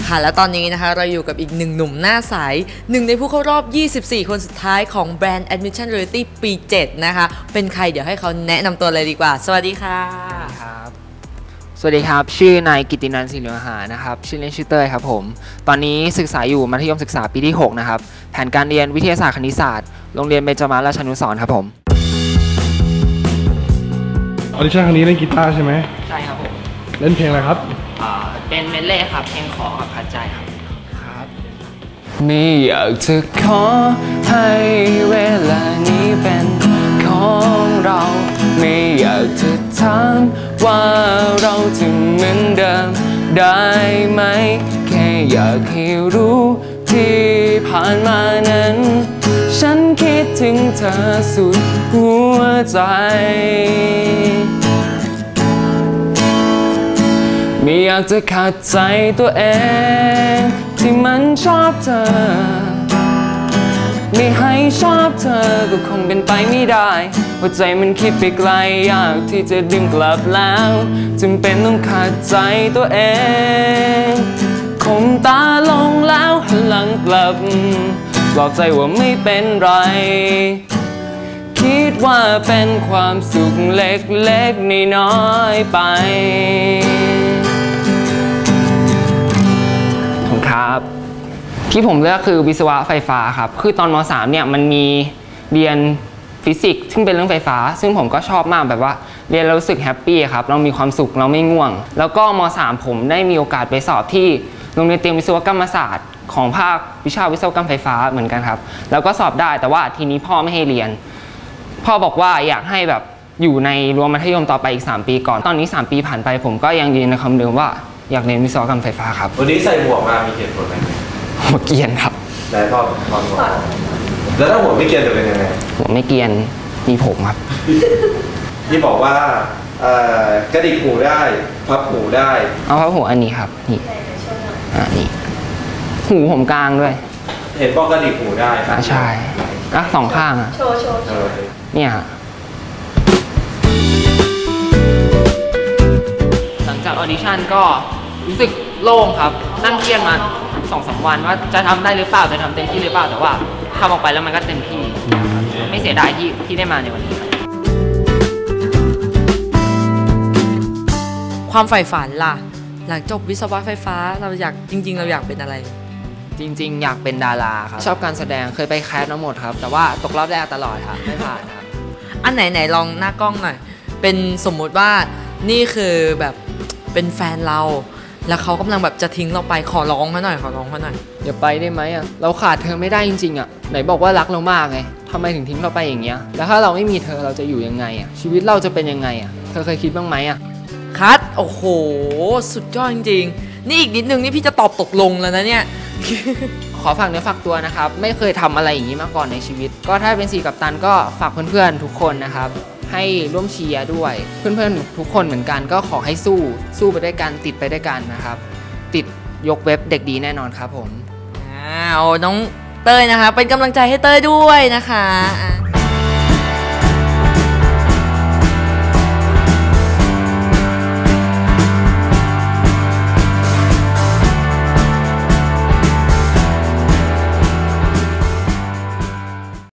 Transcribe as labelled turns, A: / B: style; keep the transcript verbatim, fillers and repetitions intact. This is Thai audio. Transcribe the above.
A: ค่ะและตอนนี้นะคะเราอยู่กับอีกหนึ่งหนุ่มหน้าใสหนึ่งในผู้เข้ารอบยี่สิบสี่คนสุดท้ายของแบรนด์ Admission Reality ปีเจ็ดนะคะเป็นใครเดี๋ยวให้เขาแนะนำตัวเลยดีกว่าสวัสดีค่ะ
B: ครับสวัสดีครับชื่อนายกิตตินันท์ศิริมหานะครับชื่อเล่นชื่อเต้ยครับผมตอนนี้ศึกษาอยู่มัธยมศึกษาปีที่หกนะครับแผนการเรียนวิทยาศาสตร์คณิตศาสตร์โรงเรียนเบญจมาศราชานุสรณ์ครับผม
C: ออดิชั่นครั้งนี้เล่นกีตาร์ใช่ไหม
B: ใช่ครับผม
C: เล่นเพลงอะไรครับ
B: เป็นเมดเล่ครับเพลงขอกับขัดใจครับครับไม่อยากจะขอให้เวลานี้เป็นของเราไม่อยากจะถามว่าเราจะเหมือนเดิมได้ไหมแค่อยากให้รู้ที่ผ่านมานั้นฉันคิดถึงเธอสุดหัวใจไม่อยากจะขัดใจตัวเองที่มันชอบเธอไม่ให้ชอบเธอก็คงเป็นไปไม่ได้หัวใจมันคิดไปไกลอยากที่จะดึงกลับแล้วจำเป็นต้องขัดใจตัวเองคมตาลงแล้วหันหลังกลับปลอบใจว่าไม่เป็นไรคิดว่าเป็นความสุขเล็กๆน้อยๆไปครับที่ผมเลือกคือวิศวะไฟฟ้าครับคือตอนม.สาม เนี่ยมันมีเรียนฟิสิกส์ซึ่งเป็นเรื่องไฟฟ้าซึ่งผมก็ชอบมากแบบว่าเรียนแล้วรู้สึกแฮปปี้ครับเรามีความสุขเราไม่ง่วงแล้วก็ม.สาม ผมได้มีโอกาสไปสอบที่โรงเรียนเตรียมวิศวกรรมศาสตร์ของภาควิชาวิศวกรรมไฟฟ้าเหมือนกันครับแล้วก็สอบได้แต่ว่าทีนี้พ่อไม่ให้เรียนพ่อบอกว่าอยากให้แบบอยู่ในรั้วมัธยมต่อไปอีกสามปีก่อนตอนนี้สามปีผ่านไปผมก็ยังยืนในคำเดิมว่าอยากเรียนวิศวกรรมไฟฟ้าครับ
D: วันนี้ใส่หมวกมามีเหตุผลไหม
B: หัวเกียนครับ
D: ได้พ่อพ่อบอกแล้วถ้าหัวไม่เกียนจะเป็นยังไง
B: หัวไม่เกียนมีผมครับ
D: ที่บอกว่ากระดิกหูได้พับหูได้
B: เอาพับหูอันนี้ครับนี่อ่านี่หูผมกลางด้วย
D: เห็นบอกกระดิกหูได้
B: อ่าใช่อ่ะสองข้างอ่ะ
E: โชว์โชว์
B: เนี่ยหลังจากออดิชั่นก็รู้สึกโล่งครับนั่งเครียดมาสองสามวันว่าจะทำได้หรือเปล่าจะทำเต็มที่หรือเปล่าแต่ว่าทำออกไปแล้วมันก็เต็มที่ไม่เสียดายที่ที่ได้มาในวันนี้
A: ความใฝ่ฝันล่ะหลังจบวิศวะไฟฟ้าเราอยากจริงๆเราอยากเป็นอะไร
B: จริงๆอยากเป็นดาราครับชอบการแสดงเคยไปแคสมาหมดครับแต่ว่าตกรอบแรกตลอดครับไม่ผ่านครับ
A: อันไหนไหนลองหน้ากล้องหน่อยเป็นสมมุติว่านี่คือแบบเป็นแฟนเราแล้วเขากำลังแบบจะทิ้งเราไปขอร้องเขาหน่อยขอร้องเขาหน่อย
B: อย่าไปได้ไหมอ่ะเราขาดเธอไม่ได้จริงๆอ่ะไหนบอกว่ารักเรามากไงทำไมถึงทิ้งเราไปอย่างเงี้ยแล้วถ้าเราไม่มีเธอเราจะอยู่ยังไงอ่ะชีวิตเราจะเป็นยังไงอ่ะเธอเคยคิดบ้างไหมอ่ะ
A: คัทโอ้โหสุดยอดจริงๆนี่อีกนิดนึงนี่พี่จะตอบตกลงแล้วนะเนี่ย
B: ขอฝากเนื้อฝากตัวนะครับไม่เคยทำอะไรอย่างนี้มาก่อนในชีวิตก็ถ้าเป็นสี่กัปตันก็ฝากเพื่อนๆทุกคนนะครับให้ร่วมเชียร์ด้วยเพื่อนๆทุกคนเหมือนกันก็ขอให้สู้สู้ไปด้วยกันติดไปด้วยกันนะครับติดยกเว็บเด็กดีแน่นอนครับผม
A: อ้าวน้องเต้ยนะคะเป็นกำลังใจให้เต้ยด้วยนะคะ